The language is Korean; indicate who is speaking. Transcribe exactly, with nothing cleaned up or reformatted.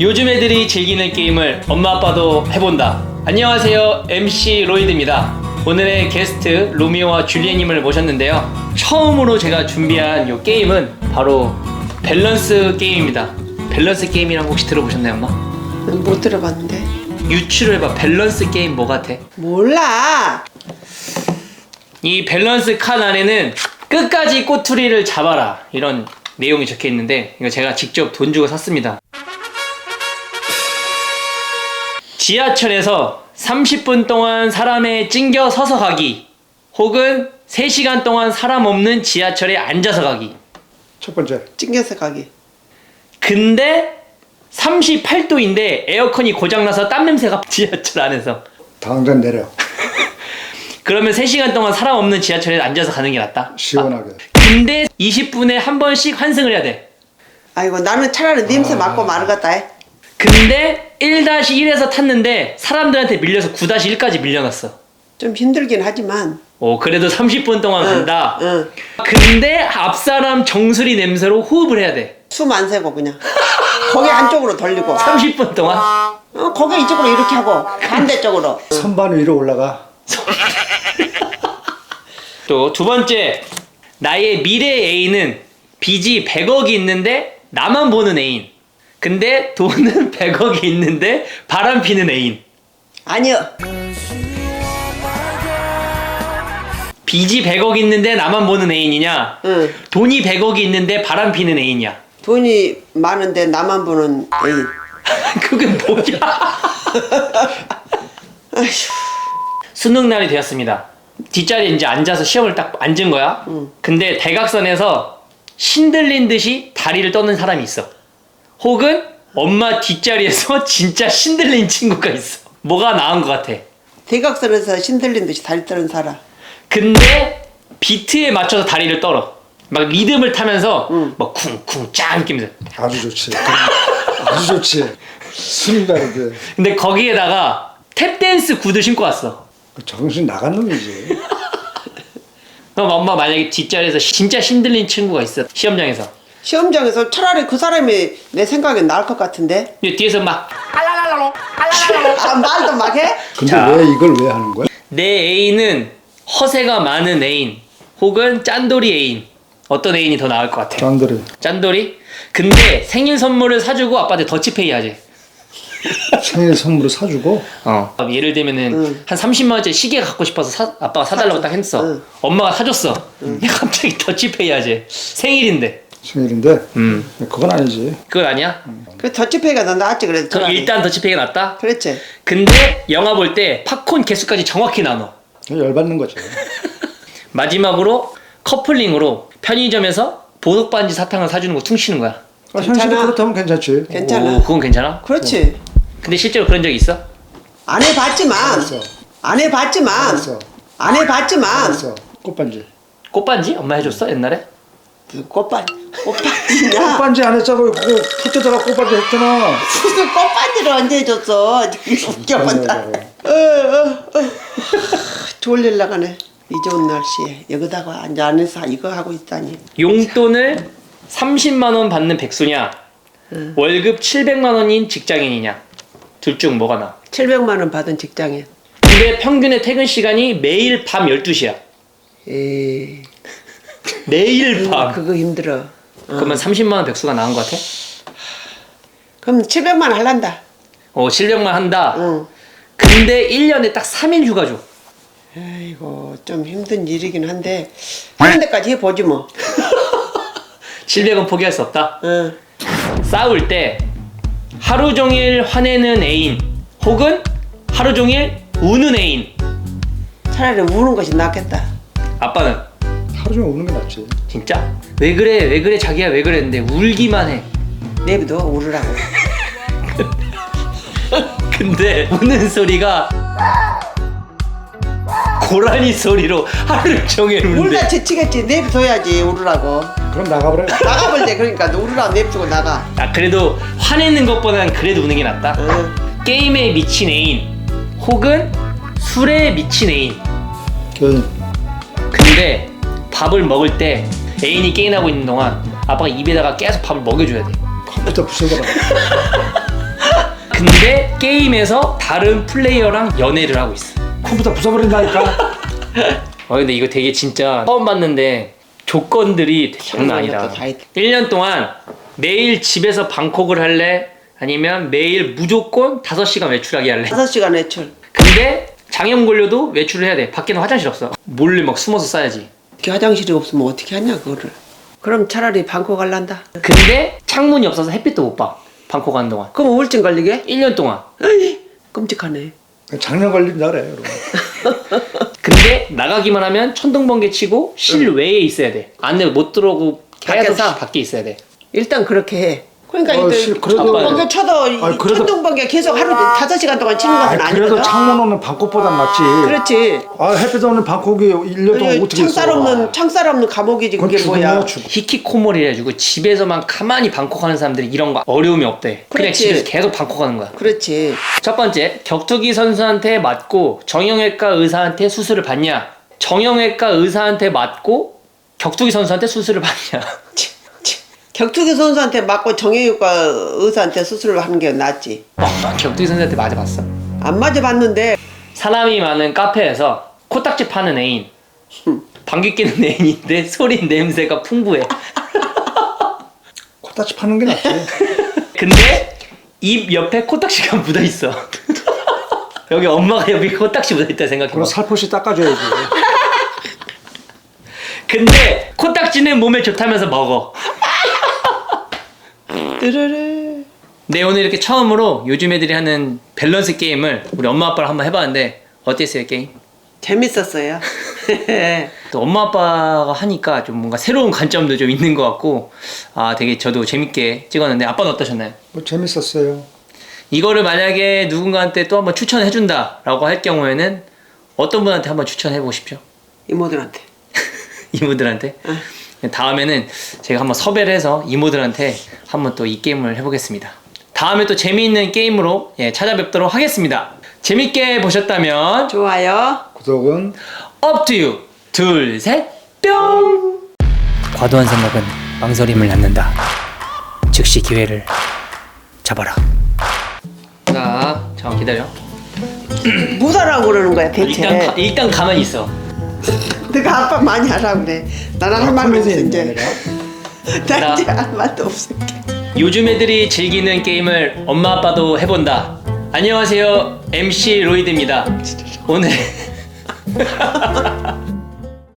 Speaker 1: 요즘 애들이 즐기는 게임을 엄마 아빠도 해본다. 안녕하세요, 엠씨 로이드입니다. 오늘의 게스트 로미오와 줄리엣님을 모셨는데요, 처음으로 제가 준비한 이 게임은 바로 밸런스 게임입니다. 밸런스 게임이란 거 혹시 들어보셨나요, 엄마?
Speaker 2: 못 들어봤는데.
Speaker 1: 유추를 해봐. 밸런스 게임 뭐 같아?
Speaker 2: 몰라.
Speaker 1: 이 밸런스 칸 안에는 끝까지 꼬투리를 잡아라 이런 내용이 적혀 있는데, 이거 제가 직접 돈 주고 샀습니다. 지하철에서 삼십 분 동안 사람에 찡겨 서서 가기, 혹은 세 시간 동안 사람 없는 지하철에 앉아서 가기.
Speaker 3: 첫 번째.
Speaker 2: 찡겨서 가기.
Speaker 1: 근데 삼십팔 도인데 에어컨이 고장나서 땀 냄새가 지하철 안에서.
Speaker 3: 당장 내려.
Speaker 1: 그러면 세 시간 동안 사람 없는 지하철에 앉아서 가는 게 낫다?
Speaker 3: 시원하게.
Speaker 1: 아, 근데 이십 분에 한 번씩 환승을 해야 돼.
Speaker 2: 아이고, 나는 차라리 냄새 맡고 마르겠다. 해.
Speaker 1: 근데 일 다시 일에서 탔는데 사람들한테 밀려서 구 다시 일까지 밀려났어.
Speaker 2: 좀 힘들긴 하지만.
Speaker 1: 오, 그래도 삼십 분 동안
Speaker 2: 응,
Speaker 1: 간다.
Speaker 2: 응.
Speaker 1: 근데 앞사람 정수리 냄새로 호흡을 해야 돼.
Speaker 2: 숨 안 새고 그냥. 고개 안쪽으로 돌리고.
Speaker 1: 삼십 분 동안.
Speaker 2: 어, 고개 이쪽으로 이렇게 하고 반대쪽으로.
Speaker 3: 선반 위로 올라가.
Speaker 1: 또 두 번째, 나의 미래 애인은 빚이 백억이 있는데 나만 보는 애인. 근데 돈은 백억이 있는데 바람 피는 애인.
Speaker 2: 아니요.
Speaker 1: 빚이 백억 있는데 나만 보는 애인이냐,
Speaker 2: 응.
Speaker 1: 돈이 백억이 있는데 바람 피는 애인이야.
Speaker 2: 돈이 많은데 나만 보는 애인.
Speaker 1: 그게 뭐야?
Speaker 2: 아휴.
Speaker 1: 수능 날이 되었습니다. 뒷자리에 이제 앉아서 시험을 딱 앉은 거야.
Speaker 2: 응.
Speaker 1: 근데 대각선에서 신들린 듯이 다리를 떠는 사람이 있어. 혹은 엄마 뒷자리에서 진짜 신들린 친구가 있어. 뭐가 나은 것 같아?
Speaker 2: 대각선에서 신들린 듯이 다리 떠는 사람.
Speaker 1: 근데 비트에 맞춰서 다리를 떨어. 막 리듬을 타면서
Speaker 2: 응.
Speaker 1: 막 쿵쿵 짱 느끼면서.
Speaker 3: 아주 좋지. 아주 좋지. 숨이 다르게.
Speaker 1: 근데 거기에다가 탭댄스 구두 신고 왔어.
Speaker 3: 정신 나간 놈이지.
Speaker 1: 그럼 엄마 만약에 뒷자리에서 진짜 신들린 친구가 있어, 시험장에서.
Speaker 2: 시험장에서 차라리 그 사람이 내 생각엔 나을 것 같은데.
Speaker 1: 근데 뒤에서 막
Speaker 2: 아, 말도 막 해?
Speaker 3: 근데
Speaker 1: 자.
Speaker 3: 왜 이걸 왜 하는 거야?
Speaker 1: 내 애인은 허세가 많은 애인, 혹은 짠돌이 애인. 어떤 애인이 더 나을 것 같아?
Speaker 3: 짠들이.
Speaker 1: 짠돌이? 근데 생일 선물을 사주고 아빠한테 더치페이 하지.
Speaker 3: 생일 선물을 사주고.
Speaker 1: 어. 예를 들면은
Speaker 2: 응.
Speaker 1: 한 삼십만 원짜리 시계 갖고 싶어서 사, 아빠가 사달라고 딱 했어.
Speaker 2: 응.
Speaker 1: 엄마가 사줬어. 갑자기 더치페이 하지. 생일인데.
Speaker 3: 생일인데.
Speaker 1: 음.
Speaker 3: 그건 아니지.
Speaker 1: 그건 아니야?
Speaker 2: 그 더치페이가 더 낫지 그래도.
Speaker 1: 그럼
Speaker 2: 차라리.
Speaker 1: 일단 더치페이가 낫다?
Speaker 2: 그렇지.
Speaker 1: 근데 영화 볼 때 팝콘 개수까지 정확히 나눠.
Speaker 3: 그냥 열받는 거지.
Speaker 1: 마지막으로 커플링으로 편의점에서 보석 반지 사탕을 사주는 거 퉁치는 거야.
Speaker 3: 아, 현실이
Speaker 2: 괜찮아.
Speaker 3: 그렇다면 괜찮지.
Speaker 2: 괜찮아.
Speaker 1: 오, 그건 괜찮아?
Speaker 2: 그렇지.
Speaker 1: 근데 실제로 그런 적 있어?
Speaker 2: 안 해봤지만.
Speaker 3: 알았어.
Speaker 2: 안 해봤지만.
Speaker 3: 알았어.
Speaker 2: 안 해봤지만.
Speaker 3: 알았어. 꽃반지.
Speaker 1: 꽃반지? 엄마 해줬어 옛날에?
Speaker 2: 그 꽃반 꽃반지냐?
Speaker 3: 꽃반지 안 했잖아. 그거 푸트다가 꽃반지 했잖아.
Speaker 2: 무슨 꽃반지를 언제 해줬어? 웃겨본다. 어, 어, 어. 졸릴 나가네. 이 좋은 날씨에 여기다가 앉아 안에서 이거 하고 있다니.
Speaker 1: 용돈을 삼십만 원 받는 백수냐,
Speaker 2: 응.
Speaker 1: 월급 칠백만 원인 직장인이냐, 둘 중 뭐가 나아?
Speaker 2: 칠백만 원 받은 직장인.
Speaker 1: 근데 평균의 퇴근 시간이 매일 밤 열두 시야.
Speaker 2: 에이,
Speaker 1: 매일 밤.
Speaker 2: 그거 힘들어. 어.
Speaker 1: 그러면 삼십만 원 백수가 나은 것 같아?
Speaker 2: 그럼 칠백만 원 할란다.
Speaker 1: 어, 칠백만 한다.
Speaker 2: 응.
Speaker 1: 근데 일 년에 딱 삼 일 휴가 줘.
Speaker 2: 아이고 좀 힘든 일이긴 한데 하는 데까지 해보지 뭐.
Speaker 1: 칠백은 포기할 수 없다.
Speaker 2: 응.
Speaker 1: 싸울 때 하루 종일 화내는 애인, 혹은 하루 종일 우는 애인.
Speaker 2: 차라리 우는 것이 낫겠다.
Speaker 1: 아빠는
Speaker 3: 하루 종일 우는 게 낫지.
Speaker 1: 진짜? 왜 그래 왜 그래 자기야 왜 그랬는데 울기만 해.
Speaker 2: 내비도 우르라고.
Speaker 1: 근데 우는 소리가 고라니 소리로 하루 종일 우는데.
Speaker 2: 울다 지치겠지. 내비둬야지 우르라고.
Speaker 3: 그럼 나가버려.
Speaker 2: 나가볼 때 그러니까 우르라고 내비두고 나가.
Speaker 1: 아, 그래도 화내는 것보다는 그래도 우는 게 낫다.
Speaker 2: 응.
Speaker 1: 게임에 미친 애인, 혹은 술에 미친 애인.
Speaker 3: 그
Speaker 1: 근데 밥을 먹을 때 애인이 게임하고 있는 동안 아빠가 입에다가 계속 밥을 먹여줘야 돼.
Speaker 3: 컴퓨터 부숴버려.
Speaker 1: 근데 게임에서 다른 플레이어랑 연애를 하고 있어.
Speaker 3: 컴퓨터 부숴버린다니까.
Speaker 1: 어 근데 이거 되게 진짜 처음 봤는데 조건들이 장난 아니다.
Speaker 2: 다 있다.
Speaker 1: 일 년 동안 매일 집에서 방콕을 할래? 아니면 매일 무조건 다섯 시간 외출하기 할래?
Speaker 2: 다섯 시간 외출.
Speaker 1: 근데 장염 걸려도 외출을 해야 돼. 밖에는 화장실 없어. 몰래 막 숨어서 싸야지.
Speaker 2: 이렇게 화장실이 없으면 어떻게 하냐 그거를. 그럼 차라리 방콕 갈란다.
Speaker 1: 근데 창문이 없어서 햇빛도 못 봐. 방콕 가는 동안.
Speaker 2: 그럼 우울증 걸리게?
Speaker 1: 일 년 동안.
Speaker 2: 에이, 끔찍하네.
Speaker 3: 작년 걸린다 그래. 여러분.
Speaker 1: 근데 나가기만 하면 천둥번개 치고 실외에 있어야 돼. 안에 못 들어오고 계속
Speaker 2: 밖에서?
Speaker 1: 밖에 있어야 돼.
Speaker 2: 일단 그렇게 해. 그러니까
Speaker 3: 어,
Speaker 2: 이제
Speaker 3: 씨, 그래도-
Speaker 2: 천둥번개 쳐도
Speaker 3: 아니, 그래도-
Speaker 2: 천둥번개 계속 하루 다섯 시간 동안 치는 것은
Speaker 3: 아,
Speaker 2: 아니거든.
Speaker 3: 그래도 창문 없는 방콕보단 낫지.
Speaker 2: 그렇지.
Speaker 3: 아, 햇빛 없는 방콕이 일 년 동안 어떻게 있어?
Speaker 2: 창살 없는 창살 없는 감옥이지
Speaker 3: 그건
Speaker 2: 그게 뭐야.
Speaker 3: 죽음이야, 죽음.
Speaker 1: 히키코모리 해가지고 집에서만 가만히 방콕하는 사람들이 이런 거 어려움이 없대. 그냥
Speaker 2: 그렇지.
Speaker 1: 집에서 계속 방콕하는 거야.
Speaker 2: 그렇지.
Speaker 1: 첫 번째, 격투기 선수한테 맞고 정형외과 의사한테 수술을 받냐? 정형외과 의사한테 맞고 격투기 선수한테 수술을 받냐?
Speaker 2: 치, 치. 격투기 선수한테 맞고 정형외과 의사한테 수술을 하는 게 낫지.
Speaker 1: 어, 격투기 선수한테 맞아봤어?
Speaker 2: 안 맞아봤는데
Speaker 1: 사람이 많은 카페에서 코딱지 파는 애인, 방귀 뀌는 애인인데 소리 냄새가 풍부해.
Speaker 3: 코딱지 파는 게 낫지.
Speaker 1: 근데 입 옆에 코딱지가 묻어 있어. 여기 엄마가 여기 코딱지 묻어 있다 생각해봐.
Speaker 3: 그럼 살포시 닦아줘야지.
Speaker 1: 근데 코딱지는 몸에 좋다면서 먹어.
Speaker 2: 르르르.
Speaker 1: 네, 오늘 이렇게 처음으로 요즘 애들이 하는 밸런스 게임을 우리 엄마 아빠랑 한번 해봤는데 어땠어요 게임?
Speaker 2: 재밌었어요.
Speaker 1: 또 엄마 아빠가 하니까 좀 뭔가 새로운 관점도 좀 있는 것 같고 아 되게 저도 재밌게 찍었는데 아빠는 어떠셨나요?
Speaker 3: 뭐 재밌었어요.
Speaker 1: 이거를 만약에 누군가한테 또 한번 추천해준다 라고 할 경우에는 어떤 분한테 한번 추천해보고 싶죠?
Speaker 2: 이모들한테.
Speaker 1: 이모들한테? 다음에는 제가 한번 섭외를 해서 이모들한테 한번 또 이 게임을 해보겠습니다. 다음에 또 재미있는 게임으로 예, 찾아뵙도록 하겠습니다. 재밌게 보셨다면
Speaker 2: 좋아요.
Speaker 3: 구독은
Speaker 1: up to you. 둘, 셋, 뿅! 과도한 생각은 망설임을 낳는다. 즉시 기회를 잡아라. 자, 잠깐 기다려.
Speaker 2: 뭐하라고 그러는 거야 대체.
Speaker 1: 일단, 가, 일단 가만히 있어.
Speaker 2: 내가 아빠 많이 하라고 그래. 나는 할 말이 없어
Speaker 3: 코미디언이야,
Speaker 2: 이제.
Speaker 3: 내가.
Speaker 2: 나 이제 할 말도 없어.
Speaker 1: 요즘 애들이 즐기는 게임을 엄마 아빠도 해본다. 안녕하세요, 엠씨 로이드입니다. 오늘